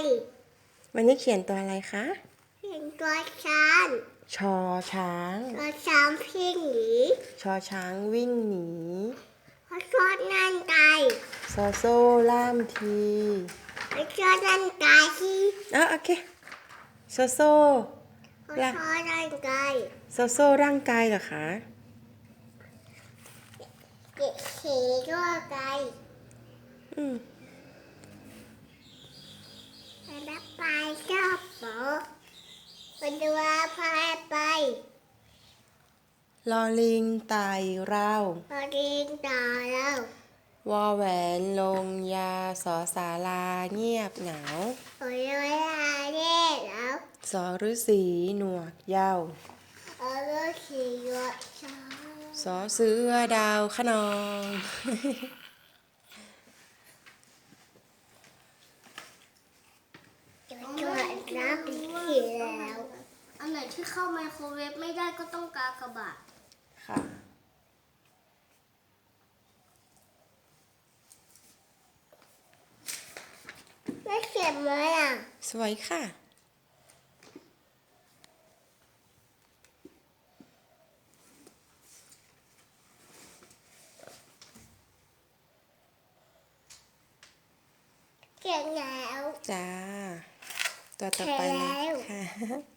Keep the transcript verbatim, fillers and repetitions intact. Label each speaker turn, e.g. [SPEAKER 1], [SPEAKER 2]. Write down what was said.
[SPEAKER 1] วันนี้เขียนตัวอะไรคะ
[SPEAKER 2] เขียนตัวช้าง
[SPEAKER 1] ชอช้าง
[SPEAKER 2] ตัวช้างพี่หนี
[SPEAKER 1] ชอช้างวิ่งหนี
[SPEAKER 2] พอชดนั่นไก
[SPEAKER 1] ซอโซ่ล่ามที
[SPEAKER 2] พอชดนั่นไกที่
[SPEAKER 1] อ่ะโอเคซอโซ่
[SPEAKER 2] พอชดนั่นไก
[SPEAKER 1] ซอโซ่ร่างกายเหรอคะ
[SPEAKER 2] เด็กเขียนตัวไก
[SPEAKER 1] อืม
[SPEAKER 2] แล้วไปชอบโป๊ะไปดูว่าพายไป
[SPEAKER 1] ลอลิงไต่เรา
[SPEAKER 2] พอดีต่อแล้ว
[SPEAKER 1] วอแหวนลงยาสอสาราเงียบเหงา
[SPEAKER 2] โอ้ยเวลาเด็กแล้ว
[SPEAKER 1] สอฤาษีหนวกเหย้า
[SPEAKER 2] เออเลือกขี่รถช้า
[SPEAKER 1] สอเสือดาวขนอง
[SPEAKER 2] จะช่วยน้ำปีขี่แล้วอันไหนที่เข้าไมโครเวฟไม่ได้ก็ต้องกากบาท
[SPEAKER 1] ค่ะ
[SPEAKER 2] ไม่เขียนไหมอ่ะ
[SPEAKER 1] สวยค่ะ
[SPEAKER 2] เขียนแล้ว
[SPEAKER 1] จ้าตัวต่อไปเลยค่ะ